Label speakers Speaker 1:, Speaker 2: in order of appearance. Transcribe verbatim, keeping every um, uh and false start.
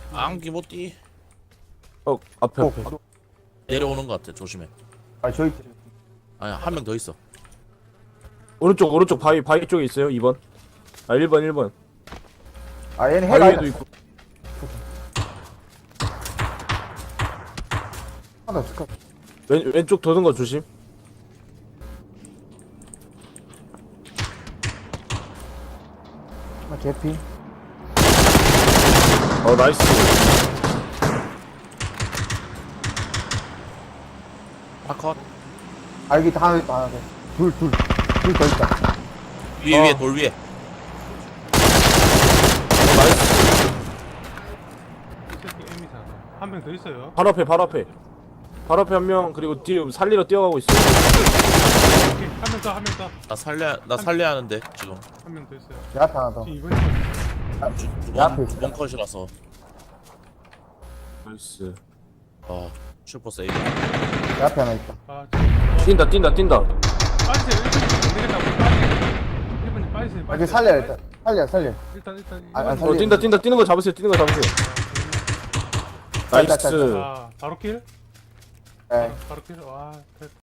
Speaker 1: 안기 못 뛰.
Speaker 2: 어 앞에
Speaker 3: 어,
Speaker 2: 앞에
Speaker 1: 내려오는 것 같아. 조심해.
Speaker 3: 아 저기
Speaker 1: 아니 한 명 더 있어.
Speaker 2: 오른쪽 오른쪽 바위 바위 쪽에 있어요. 이 번. 아 일 번 일 번.
Speaker 3: 아 얘는 해가
Speaker 2: 바위에도
Speaker 3: 아니다.
Speaker 2: 있고.
Speaker 3: 하나 스카.
Speaker 2: 왼 왼쪽 도는 거 조심.
Speaker 3: 하나 개피.
Speaker 2: 어 나이스.
Speaker 1: 파컷.
Speaker 3: 아 여기 다 하나 있다 하나 더. 둘둘둘 더 있다.
Speaker 1: 위에
Speaker 3: 어.
Speaker 1: 위에 돌 위에.
Speaker 2: 어 나이스.
Speaker 4: 이 새끼 M이잖아. 한 명 더 있어요.
Speaker 2: 바로 앞에 바로 앞에. 바로 앞에 한 명 그리고 뒤에 살리러 뛰어가고 있어.
Speaker 4: 오케이. 한 명 더, 한 명 더.
Speaker 1: 나 살려 나 살려야 하는데 지금
Speaker 4: 한 명 더 있어요.
Speaker 3: 내 앞에 하나 더.
Speaker 4: 지금 이번 번
Speaker 3: 내 앞에 있어.
Speaker 1: 두번두번 컷이라서.
Speaker 2: 나이스.
Speaker 1: 아 슈퍼 세이브.
Speaker 3: 내 앞에 하나 있다.
Speaker 4: 아, 지금
Speaker 2: 뛴다 뛴다 뛴다.
Speaker 4: 빠지세요. 일 번님 안 되겠다. 우리 빠지세요. 일 번님 빠지세요.
Speaker 3: 아, 여기
Speaker 4: 빠지세요.
Speaker 3: 살려 일단. 살려 살려.
Speaker 4: 일단, 일단.
Speaker 3: 아, 아,
Speaker 4: 일번님.
Speaker 3: 살려.
Speaker 2: 어 뛴다 뛴다 뛰는 거 잡으세요. 뛰는 거 잡으세요.
Speaker 3: 짤, 짤,
Speaker 2: 나이스.
Speaker 4: 아, 바로 킬?
Speaker 3: 예.
Speaker 4: 바로 킬? 와, 됐다.